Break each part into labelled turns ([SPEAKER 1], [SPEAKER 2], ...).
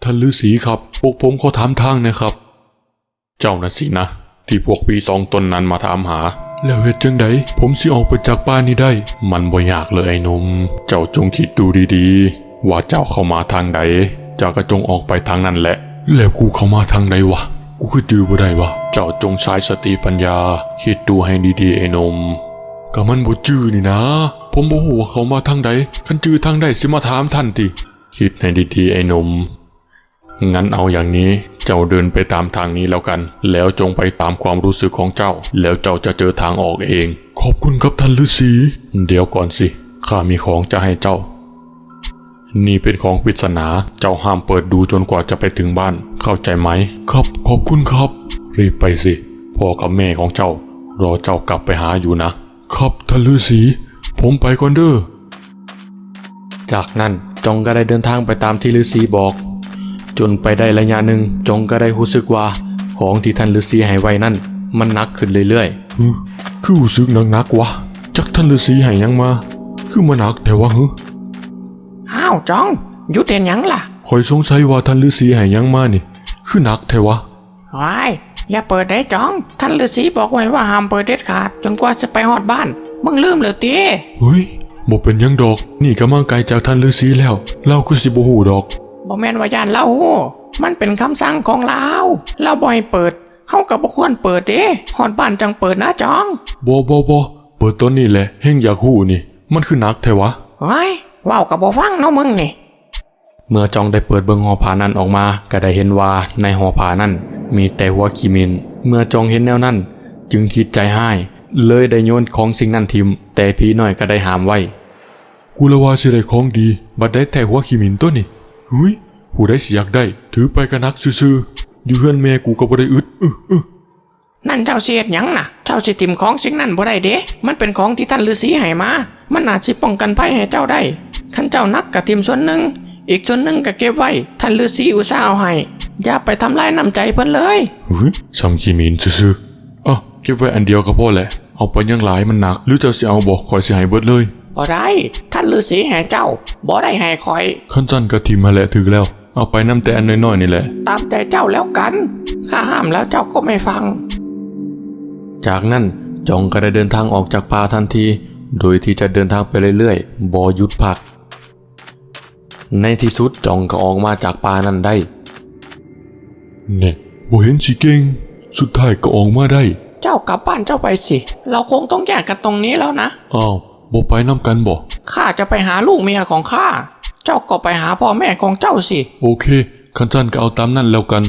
[SPEAKER 1] ท่านฤาษีครับพวกผมขอถามทางนะครับเจ้าน่ะสินะที่พวกพี่สองตนนั้นมาถามหาแล้วเหตุจังใดผมสิออกไปจากบ้านนี้ได้มันบ่ยากเลยไอ้หนุ่มเจ้าจงคิดดูดีๆว่าเจ้าเข้ามาทางใดเจ้าก็จงออกไปทางนั้นแหละแล้วกูเข้ามาทางใดวะกูคือจื้อบ่ได้วะเจ้าจงใช้สติปัญญาคิดดูให้ดีๆไอ้หนุ่มก็มันบ่จื้อนี่นะผมบ่ฮู้ว่าเขามาทางใดคันจื้อทางใดสิมาถามท่านติคิดให้ดีๆไอ้หนุ่มงั้นเอาอย่างนี้เจ้าเดินไปตามทางนี้แล้วกันแล้วจงไปตามความรู้สึกของเจ้าแล้วเจ้าจะเจอทางออกเองขอบคุณครับท่านฤาษีเดี๋ยวก่อนสิข้ามีของจะให้เจ้านี่เป็นของปริศนาเจ้าห้ามเปิดดูจนกว่าจะไปถึงบ้านเข้าใจไหมครับขอบคุณครับรีบไปสิพ่อกับแม่ของเจ้ารอเจ้ากลับไปหาอยู่นะครับท่านฤาษีผมไปก่อนเด้อจากนั้นจงก็ได้เดินทางไปตามที่ฤาษีบอกจนไปได้ระยะหนึ่งจงก็ได้รู้สึกว่าของที่ท่านฤาษีให้ไว้นั่นมันหนักขึ้นเรื่อยๆคือรู้สึกหนักวะจักท่านฤาษีให้ยังมาคือมันหนักแต่ว่า
[SPEAKER 2] อ้าวจองหยุดเด่นยังล่ะ
[SPEAKER 1] คอยสงสัยว่าท่านฤาษีให้ยังมานี่คือหนักแต่วะ
[SPEAKER 2] ว้ายอย่าเปิดได้จองท่านฤาษีบอกไว้ว่าห้ามเปิดเด็ดขาดจนกว่าจะไปฮอดบ้านมึงลืมแล้วติ
[SPEAKER 1] เฮ้ยบ่เป็นยังดอกนี่ก็มาไกลจากท่านฤาษีแล้วเราคือสิบ่ฮู้ดอก
[SPEAKER 2] บ่แม่นว่าย่านเล่าฮู้มันเป็นคำสั่งของเราบ่ให้เปิดเฮาก็บ่ควรเปิดเด้ฮอดบ้านจังเปิดนะจอง
[SPEAKER 1] บ่เปิดตอนนี้แหละเฮงอยากฮู้นี่มันคือหนักแท้วะ
[SPEAKER 2] ว้ายว้าวก็บ่ฟังเนาะมึงนี่
[SPEAKER 1] เมื่อจองได้เปิดเบิ่งหอผ้านั้นออกมาก็ได้เห็นว่าในหอผ้านั้นมีแต่หัวขี้มินเมื่อจองเห็นแนวนั้นจึงคิดใจให้เลยได้โยนของสิ่งนั้นทิ่มแต่ผีน้อยก็ได้ห้ามไว้กูละว่าสิได้ของดีบัดได้แต่หัวขี้มินตัวนี่หุ้ยผู้ใดสิอยากได้ถือไปก็นักซื่อๆอยู่เฮือนแม่กูก็บ่ได้อึด
[SPEAKER 2] นั่นเจ้าสิเฮ็ดหยังน่ะเจ้าสิทิ่มของสิ่งนั้นบ่ได้เด้มันเป็นของที่ท่านฤาษีให้มามันน่าสิป้องกันภัยให้เจ้าได้คันเจ้านักก็ทิ่มส่วนหนึ่งอีกส่วนหนึ่งก็เก็บไว้ท่านฤาษีอุตส่าห์เอาให้อย่าไปทำลายน้ำใจเพิ่นเลย
[SPEAKER 1] ซ้ำขี้มินซื่อๆอ่ะเก็บไว้อันเดียวก็พอแหละเอาไปยังหลายมันหนักหรือเจ้าสิเอาบ่ข่อยสิให้เบิดเลย
[SPEAKER 2] บ่ได้ท่านฤาษีให้เจ้าบ่ได้ให้ข่อย
[SPEAKER 1] คันซั่นก็ทิ่มมาแหละถึกแล้วเอาไปนำแต่อันน้อยๆนี่แหละ
[SPEAKER 2] ตามใจเจ้าแล้วกันข้าห้ามแล้วเจ้าก็ไม่ฟัง
[SPEAKER 1] จากนั้นจองก็ได้เดินทางออกจากป่าทันทีโดยที่จะเดินทางไปเรื่อยๆบ่หยุดพักในที่สุดจองก็ออกมาจากป่านั้นได้เนี่ยบ่เห็นสิเก่งสุดท้ายก็ออกมาได้
[SPEAKER 2] เจ้ากลับบ้านเจ้าไปสิเราคงต้องแยกกันตรงนี้แล้วนะ
[SPEAKER 1] อ้าวบ่ไปนำกันบ่
[SPEAKER 2] ข้าจะไปหาลูกเมียของข้าเจ้าก็ไปหาพ่อแม่ของเจ้าสิ
[SPEAKER 1] โอเคคันซั่นก็เอาตามนั้นแล้วกัน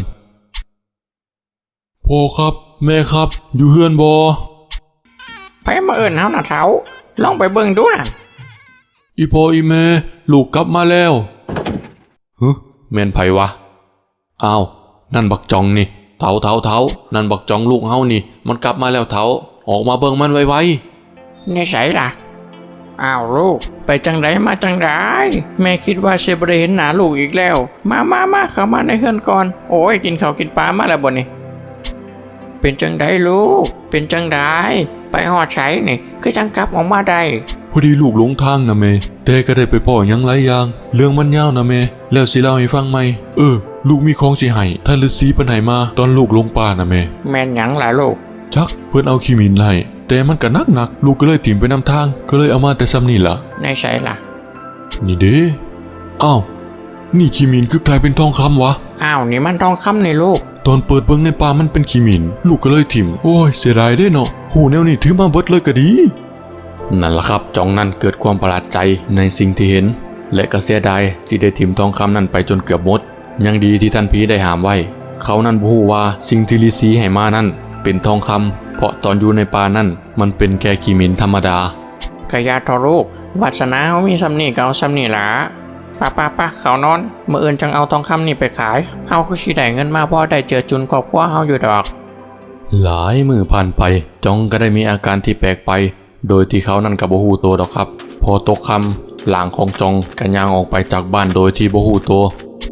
[SPEAKER 1] พ่อครับแม่ครับอยู่เฮือนบ่
[SPEAKER 2] ไปมาเอิ้นเฮาน่ะเฒ่าลองไปเบิ่งดูน่ะ
[SPEAKER 1] อีพ่ออีแม่ลูกกลับมาแล้วแม่นไผวะอ้าวนั่นบักจองนี่เฒ่านั่นบักจองลูกเฮานี่มันกลับมาแล้วเฒ่าออกมาเบิ่งมันไว
[SPEAKER 2] ๆนี่ไสล่ะอ้าวลูกไปจังไดมาจังไดแม่คิดว่าสิบ่ได้เห็นหน้าลูกอีกแล้วมาเข้ามาในเฮือนก่อนโอ้ยกินข้าวกินปลามาแล้วบ่นี่เป็นจังไดลูกเป็นจังไดไปฮอดไสนี่คือจังกลับออกมาได้
[SPEAKER 1] พอดีลูกหลงทางนะแม่แต่ก็ได้ไปพ้อหยังหลายอย่างเรื่องมันยาวนะแม่แล้วสิเล่าให้ฟังไหมลูกมีของสิให้ท่านฤาษีเพิ่นให้มาตอนลูกลงป่านะแม่
[SPEAKER 2] แม่นหยังล่ะลูก
[SPEAKER 1] จักเพิ่นเอาขี้มินให้แต่มันก็หนักลูกก็เลยถิ่มไปนำทางก็เลยเอามาแต่ซ้ำนี่ล่ะ
[SPEAKER 2] ในไสล่ะ
[SPEAKER 1] นี่เด้อ้าวนี่ขี้มินคือกลายเป็นทองคำวะ
[SPEAKER 2] อ้าวนี่มันทองคำนี่ลูก
[SPEAKER 1] ตอนเปิดเบิ่งในป่ามันเป็นขี้มินลูกก็เลยถิ่มโอ้ยเสียดายเด้เนาะหูแนวนี้ถือมาเบิดเลยก็ดีนั่นล่ะครับจองนั้นเกิดความประหลาดใจในสิ่งที่เห็นและก็เสียดายที่ได้ถิ่มทองคำนั้นไปจนเกือบหมดยังดีที่ท่านผีได้ห้ามไว้เขานั้นบ่ฮู้ว่าสิ่งที่ฤาษีให้มานั้นเป็นทองคำเพราะตอนอยู่ในป่านั้นมันเป็นแค่ขี้มินธรรมดาก
[SPEAKER 2] ะยาทอลูกวาสนาเฮามีซ้ำนี่ก็เอาซ้ำนี่ล่ะป้าเขานอนมื้ออื่นจังเอาทองคำนี่ไปขายเฮาคือสิได้เงินมาพอได้เจือจุนครอบครัวเฮาอยู่ดอก
[SPEAKER 1] หลายมื้อผ่านไปจองก็ได้มีอาการที่แปลกไปโดยที่เขานั่นก็บ่ฮู้ตัวดอกครับพอตกค่ำหลางของจองก็ย่างออกไปจากบ้านโดยที่บ่ฮู้ตัว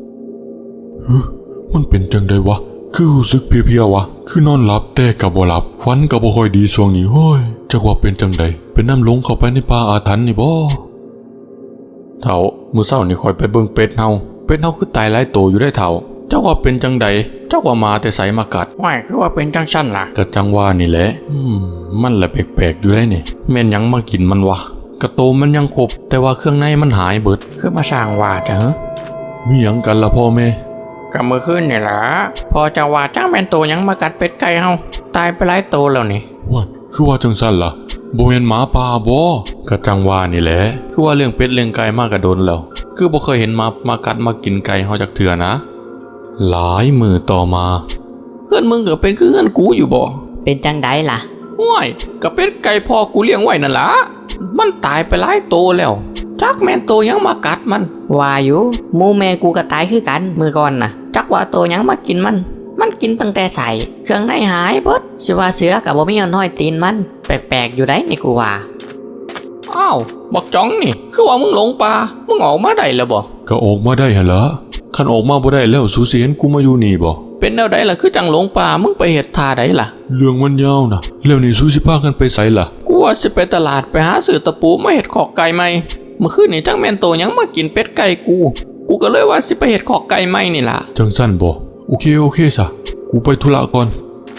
[SPEAKER 1] มันเป็นจังได๋วะคือรู้สึกเพลียๆวะคือนอนหลับแต่ก็บ่หลับฝันก็บ่ค่อยดีช่วงนี้โอ้ยจักว่าเป็นจังได๋เป็นน้ำหลงเข้าไปในป่าอาถรรพ์นี่บ่เฒ่ามื้อเช้านี่ค่อยไปเบิ่งเป็ดเฮาเป็ดเฮาคือตายหลายโตอยู่ได้เท่าเจ้าว่าเป็นจังใดเจ้าว่ามาแต่ไสมากัด
[SPEAKER 2] ว่ายคือว่าเป็นจังชั้นล่ะ
[SPEAKER 1] ก็จังว่านี่แหละมันแหละแปลกๆอยู่ได้นี่แม่นหยังมากินมันวะกระโตมมันยังครบแต่ว่าเครื่องในมันหายเบิด
[SPEAKER 2] คือมาสร้างว่าเถอะ
[SPEAKER 1] มีหยังกันละพ่อแม่
[SPEAKER 2] กับมือขึ้นนี่ล่ะพอจะว่าจ้างแม่นโตยังมากัดเป็ดไก่เฮาตายไปหลายโตแล้วนี่
[SPEAKER 1] ว่าคือว่าจังซั่นล่ะบ่แม่นหมาป่าบ่ก็จังว่านี่แหละคือว่าเรื่องเป็ดเรื่องไก่มากระโดนแล้ว คือบ่เคยเห็นมากัดมากินไก่เฮาจักเทื่อนะ หลายมือต่อมา
[SPEAKER 2] เพื่อนมึงก็เป็นคือเพื่อนกูอยู่บ่
[SPEAKER 3] เป็นจังไดล่ะ
[SPEAKER 2] ว่ายกับเป็ดไก่พอกูเลี้ยงไว้นั่นล่ะมันตายไปหลายโตแล้วจักแม่นโตยังมากัดมัน
[SPEAKER 3] ว่าอยู่หมูแม่กูก็ตายคือกันมือก่อนน่ะ จักว่าโตหยังมากินมัน มันกินตั้งแต่ใส่เครื่องในหายเบิดสิว่าเสือกับบ่มีเอาน้อยตีนมัน แปลกๆอยู่ได้นี่กูว่า
[SPEAKER 2] อ้าวบักจ้องนี่คือว่ามึงหลงป่ามึงออกมาได้แล้วบ่
[SPEAKER 1] ก็ออกมาได้หั่นล่ะคันออกมาบ่ได้แล้วสูสิเห็นกูมาอยู่นี่บ่
[SPEAKER 2] เป็นแนวใดล่ะคือจังหลงป่ามึงไปเฮ็ดท่าใดล่ะ
[SPEAKER 1] เรื่องมันยาวนะแล้วนี่สูสิพากันไปไสล่ะ
[SPEAKER 2] กูว่าสิไปตลาดไปหาซื้อตะปูมาเฮ็ดขอกไก่ใหม่เมื่อคืนนี่จังแม่นโตยังมากินเป็ดไก่กูก็เลยว่าสิไปเฮ็ดขอกไก่ใหม่นี่ล่ะ
[SPEAKER 1] จังสั้นบ่โอเคซะกูไปธุระก่อน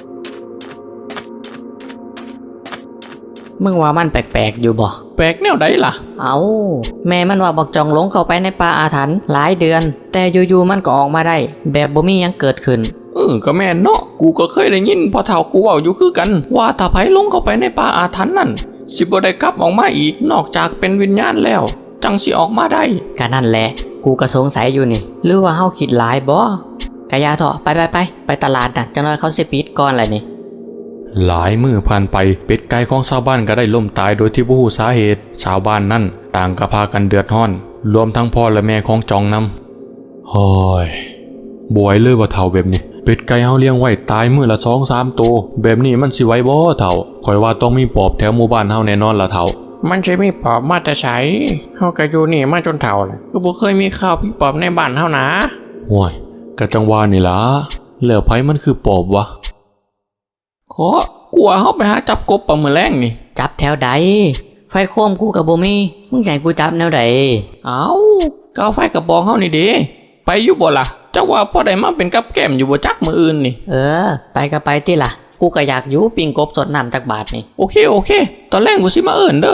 [SPEAKER 3] มึงว่ามันแปลกๆอยู่บ่
[SPEAKER 2] แปลกแนวใดล่ะ
[SPEAKER 3] เอาแม่มันว่าบอกจองหลงเข้าไปในป่าอาถรรพ์หลายเดือน แต่อยู่ๆมันก็ออกมาได้ แบบบ่มีหยังเกิดขึ้น
[SPEAKER 2] ก็แม่นเนาะกูก็เคยได้ยินพอเฒ่ากูเว้าอยู่คือกัน ว่าถ้าไผลงเข้าไปในป่าอาถรรพ์นั่นสิบ่ได้กลับออกมาอีกนอกจากเป็นวิญญาณแล้ว จังสิออกมาได้
[SPEAKER 3] ก็นั่นแหละ กูก็สงสัยอยู่นี่ หรือว่าเฮาคิดหลายบ่กะยาเถอะไปตลาดน่ะจังน้อยเขาสิปิดก่อนแหละนี่
[SPEAKER 1] หลายมือผ่านไปเป็ดไก่ของชาวบ้านก็ได้ล่มตายโดยที่บ่ฮู้สาเหตุชาวบ้านนั่นต่างก็พากันเดือดร้อน รวมทั้งพ่อและแม่ของจองนำโอ้ยบ่ไหวเลยว่าเฒ่าแบบนี้เป็ดไก่เฮาเลี้ยงไว้ตายมื้อละ 2-3 ตัวแบบนี้มันสิไหวบ่เฒ่าข่อยว่าต้องมีปอบแถวหมู่บ้านเฮาแน่นอนล่ะเฒ่า
[SPEAKER 2] มันสิมีปอบมาแต่ไสเฮาก็อยู่นี่มาจนเฒ่าแล้วคือบ่เคยมีข่าวพี่ปอบในบ้านเฮานะ
[SPEAKER 1] โอ้ยก็จังว่านี่ล่ะแล้วไผมันคือปอบวะ
[SPEAKER 2] ขอกลัวเฮาไปหาจับกบปลามื้อแรงนี่
[SPEAKER 3] จับแถวใดไฟโคมกูกับบ่มีมึงใหญ่กูจับแนวใด
[SPEAKER 2] เอาก็เอาไฟกระบองเฮานี่เด้ไปอยู่บ่ล่ะเจ้าว่าพอได้มาเป็นกับแก้มอยู่บ่จักมื้ออื่นนี่
[SPEAKER 3] ไปก็ไปติล่ะ กูก็อยากอยู่ปิ้งกบสดน้ำจากบาทนี่
[SPEAKER 2] โอเคตอนแรกกูสิมาเอิ้นเด้อ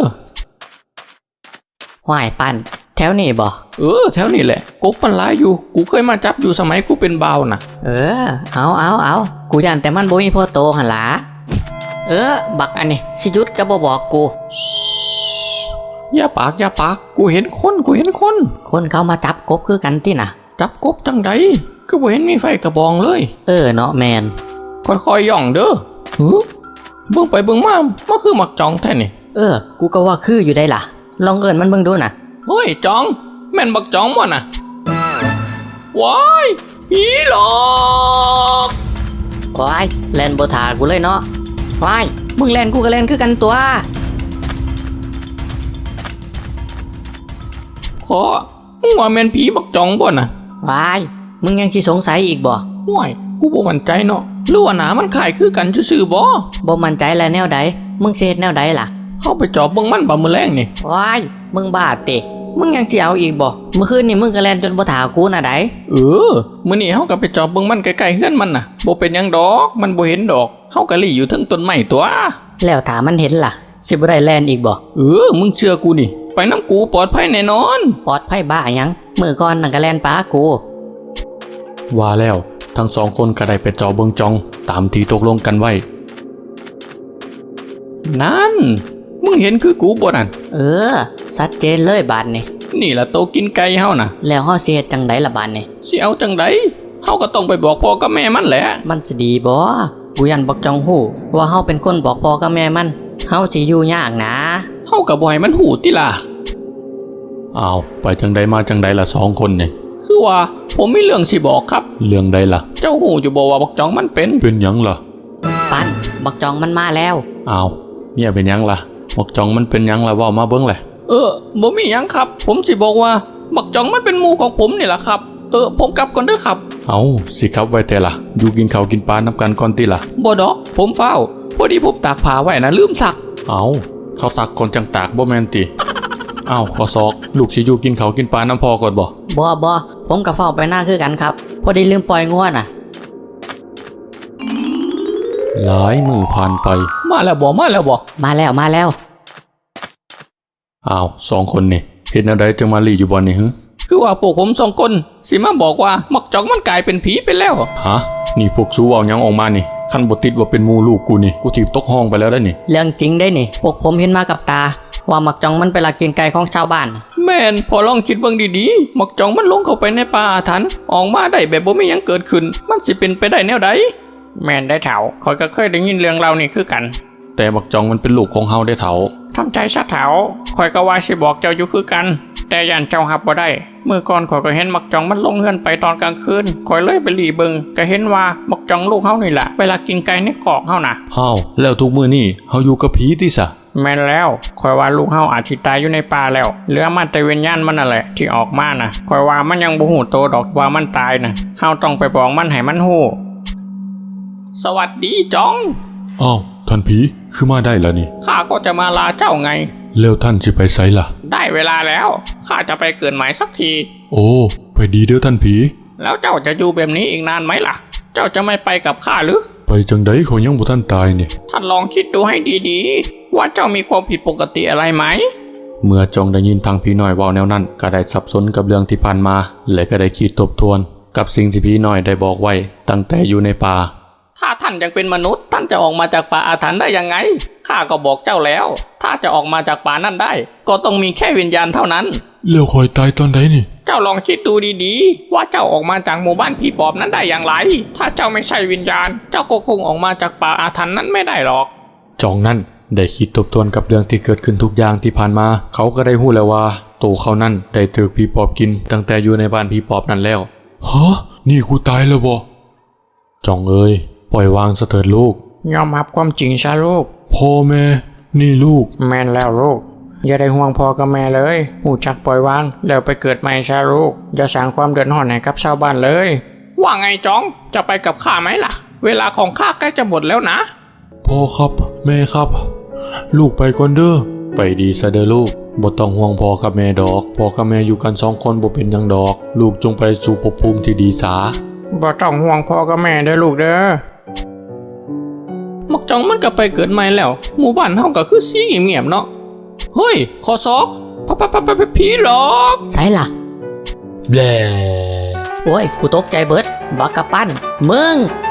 [SPEAKER 3] ห้วยปั้นแถวนี้บ่
[SPEAKER 2] แถวนี้แหละกบมันหลายอยู่กูเคยมาจับอยู่สมัยกูเป็นบ่าวน่ะ
[SPEAKER 3] เอากูย่านแต่มันบ่มีพ่อโตหั่นล่ะบักอันนี้สิหยุดก็บ่บอกกู
[SPEAKER 2] อย่าปากกูเห็นคน
[SPEAKER 3] คนเขามาจับกบคือกันติน่ะ
[SPEAKER 2] จับกบจังใดคือบ่เห็นมีไฟกระบองเลย
[SPEAKER 3] เนาะแมน
[SPEAKER 2] ค่อยๆย่องเด้อเบิ่งไปเบิ่งมามันคือมักจองแท้นี่
[SPEAKER 3] กูก็ว่าคืออยู่ได้ล่ะ ลองเอิ้นมันเบิ่งดูน่ะ
[SPEAKER 2] เฮ้ยจองแม่นบักจองบ่น่ะว้ายผีหลอก
[SPEAKER 3] ว้ายแล่นบ่ท่ากูเลยเนาะว้ายมึงแล่นกูก็แล่นคือกันตัว
[SPEAKER 2] ขอมึงว่าแม่นผีบักจองบ่น่ะ
[SPEAKER 3] ว้ายมึงยังสิสงสัยอีกบ่
[SPEAKER 2] ว้ายกูบ่มั่นใจเนาะหรือว่าหน้ามันคล้ายคือกันซื่อๆบ่
[SPEAKER 3] บ่มั่นใจแล้วแนวใดมึงสิเฮ็ดแนวใดล่ะ
[SPEAKER 2] เฮาไปจอบเบิ่งมันบ่มื้อแรงนี่
[SPEAKER 3] ว้ายมึงบ้าติมึงยังสิเอาอีกบ่เมื่อคืนนี่มึงก็แล่นจนบ่ท่ากูน่ะได
[SPEAKER 2] มื้อนี้เฮาก็ไปจอบเบิ่งมันใกล้ๆเฮือนมันน่ะบ่เป็นหยังดอกมันบ่เห็นดอกเฮาก็หลีอยู่เทึงต้นไม้ตัว
[SPEAKER 3] แล้วถ้ามันเห็นล่ะสิบ่ได้แล่นอีกบ่
[SPEAKER 2] มึงเชื่อกูนี่ไปน้ำกูปลอดภัยแน่นอน
[SPEAKER 3] ปลอดภัยบ้าหยังมื้อก่อนนั่นก็แล่นป้ากู
[SPEAKER 1] ว่าแล้วทั้งสองคนก็ได้ไปจอเบิงจองตามที่ตกลงกันไว้
[SPEAKER 2] นั่นมึงเห็นคือกูบ่นั่น
[SPEAKER 3] ชัดเจนเลยบาดนี่
[SPEAKER 2] นี่ล่ะโตกินไก่เฮาน่ะ
[SPEAKER 3] แล้วเฮาสิเฮ็ดจังไดล่ะบาดนี่
[SPEAKER 2] สิเอาจังไดเฮาก็ต้องไปบอกพ่อกับแม่มันแหละ
[SPEAKER 3] มันสิดีบ่กูยันบอกจองฮู้ว่าเฮาเป็นคนบอกพ่อกับแม่มันเฮาสิอยู่ยากนะ
[SPEAKER 2] เฮาก็บ่ให้มันหูติล่ะ
[SPEAKER 1] อ้าวไปจังใดมาจังใดละสองคนเนี่ย
[SPEAKER 2] คือว่าผมมีเรื่องสิบอกครับ
[SPEAKER 1] เรื่องใดล่ะ
[SPEAKER 2] เจ้าหูอยู่บ่ว่าบักจองมันเป็น
[SPEAKER 1] เป็นหยังล่ะ
[SPEAKER 3] ปันบอกจองมันมาแล้ว
[SPEAKER 1] อ้าวเนี่ยเป็นหยังล่ะบอกจองมันเป็นหยังล่ะเว่ามาเบิ้งแหละ
[SPEAKER 2] บ่มีหยังครับ ผมสิบอกว่าบักจองมันเป็นหมู่ของผมนี่ล่ะครับ ผมกลับก่อนเด้อครับ
[SPEAKER 1] เอาสิครับไว้แต่ล่ะอยู่กินข้าวกินปลานับกันก่อนติล่ะ
[SPEAKER 2] บ่ดอกผมเฝ้าพอดีผมตากผ้าไว้นะลืมซัก
[SPEAKER 1] เอาเขาสักคนจังตากบ่แม่นติอ้าวขอซอกลูกสิอยู่กินข้าวกินปลาน้ำพอก่อนบ่
[SPEAKER 3] บ่ผมกับเฝ้าไปหน้าคือกันครับ พอดีลืมปล่อยงัวน่ะ
[SPEAKER 1] หลายมือผ่านไป
[SPEAKER 2] มาแล้วบ่มาแล้วบ่
[SPEAKER 3] มาแล้ว
[SPEAKER 1] อ้าวสองคนนี่เห็นอะไรจังมาลีอยู่บ่นี่ฮึ
[SPEAKER 2] คือว่าพวกผม2 คนสิมาบอกว่ามักจองมันกลายเป็นผีไปแล้ว
[SPEAKER 1] ฮะนี่พวกสู้เอาหยังออกมานี่คันบ่ติดว่าเป็นหมู่ลูกกูนี่กูถีบตกห้องไปแล้วได้นี่
[SPEAKER 3] เรื่องจริงได้นี่ พวกผมเห็นมากับตา ว่ามักจองมันไปลักกินไก่ของชาวบ้าน
[SPEAKER 2] แม่นพอลองคิดเบิ่งดีๆมักจองมันลงเข้าไปในป่าอาถรรพ์ออกมาได้แบบบ่มีหยังเกิดขึ้น มันสิเป็นไปได้แนวใดแม่นได้เฒ่าข่อยก็เคยได้ยินเรื่องเล่านี่คือกัน
[SPEAKER 1] แต่บักจองมันเป็นลูกของเฮาได้เฒ่า
[SPEAKER 2] ทำใจซะเฒ่าข่อยก็ว่าสิบอกเจ้าอยู่คือกัน แต่ย่านเจ้ารับบ่ได้เมื่อก่อนข่อยก็เห็นมักจองมันลงเฮือนไปตอนกลางคืนข่อยเลยไปหลีเบิ่งก็เห็นว่ามักจองลูกเฮานี่แหละเวลากินไก่ในคอกเฮาน่ะ
[SPEAKER 1] อ้าวแล้วทุกมื้อนี่เฮาอยู่กับผีติซะ
[SPEAKER 2] แม่นแล้วข่อยว่าลูกเฮาอาจสิตายอยู่ในป่าแล้วเหลือมาแต่วิญญาณมันนั่นแหละที่ออกมาน่ะข่อยว่ามันยังบ่ฮู้โตดอกว่ามันตายน่ะเฮาต้องไปบอกมันให้มันฮู้สวัสดีจอง
[SPEAKER 1] อ้าวท่านผีคือมาได้แล้วนี่
[SPEAKER 2] ข้าก็จะมาลาเจ้าไง
[SPEAKER 1] แล้วท่านสิไปไสล่ะ
[SPEAKER 2] ได้เวลาแล้วข้าจะไปเกิดใหม่สักที
[SPEAKER 1] โอ้ไปดีเด้อท่านผี
[SPEAKER 2] แล้วเจ้าจะอยู่แบบนี้อีกนานไหมล่ะ เจ้าจะไม่ไปกับข้าหรือ
[SPEAKER 1] ไปจังไดเขายังบ่ทันตายนี่
[SPEAKER 2] ท่านลองคิดดูให้ดีๆ ว่าเจ้ามีความผิดปกติอะไรไหม
[SPEAKER 1] เมื่อจองได้ยินทางผีน้อยเว้าแนวนั้นก็ได้สับสนกับเรื่องที่ผ่านมา และก็ได้คิดทบทวน กับสิ่งที่ผีน้อยได้บอกไว้ตั้งแต่อยู่ในป่า
[SPEAKER 2] ถ้าท่านยังเป็นมนุษย์ ท่านจะออกมาจากป่าอาถรรพ์ได้ยังไง ข้าก็บอกเจ้าแล้ว ถ้าจะออกมาจากป่านั้นได้ ก็ต้องมีแค่วิญญาณเท่านั้น
[SPEAKER 1] แล้วคอยตายตอนใดนี่
[SPEAKER 2] เจ้าลองคิดดูดีๆ ว่าเจ้าออกมาจากหมู่บ้านผีปอบนั้นได้อย่างไร ถ้าเจ้าไม่ใช่วิญญาณ เจ้าก็คงออกมาจากป่าอาถรรพ์นั้นไม่ได้หรอก
[SPEAKER 1] จองนั้นได้คิดทบทวนกับเรื่องที่เกิดขึ้นทุกอย่างที่ผ่านมา เขาก็ได้รู้แล้วว่าตัวเขานั้นได้ถูกผีปอบกิน ตั้งแต่อยู่ในบ้านผีปอบนั้นแล้วฮะนี่กูตายแล้วบ่จองเอ้ยปล่อยวางซะเถิดลูก
[SPEAKER 2] ยอมรับความจริงซะลูก
[SPEAKER 1] พ่อแม่นี่ลูก
[SPEAKER 2] แม่นแล้วลูก อย่าได้ห่วงพ่อกับแม่เลยหูจักปล่อยวางแล้วไปเกิดใหม่ซะลูก อย่าสร้างความเดือดร้อนให้กับชาวบ้านเลย ว่าไงจ้อง จะไปกับข้าไหมล่ะ เวลาของข้าใกล้จะหมดแล้วนะ
[SPEAKER 1] พ่อครับแม่ครับ ลูกไปก่อนเด้อไปดีซะเด้อลูกบ่ต้องห่วงพ่อกับแม่ดอกพ่อกับแม่อยู่กัน2 คนบ่เป็นหยังดอก ลูกจงไปสู่ภพภูมิที่ดีสา
[SPEAKER 2] บ่ต้องห่วงพ่อกับแม่เด้อลูกเด้อมักจ้องมันก็ไปเกิดใหม่แล้ว หมู่บ้านเฮาก็คือสีเงียบๆเนาะ เฮ้ยขอซอกผีหลอก
[SPEAKER 3] ใส่ล่ะ
[SPEAKER 1] แบล
[SPEAKER 3] โอ้ย กูตกใจเบิดบักกะปั้นมึง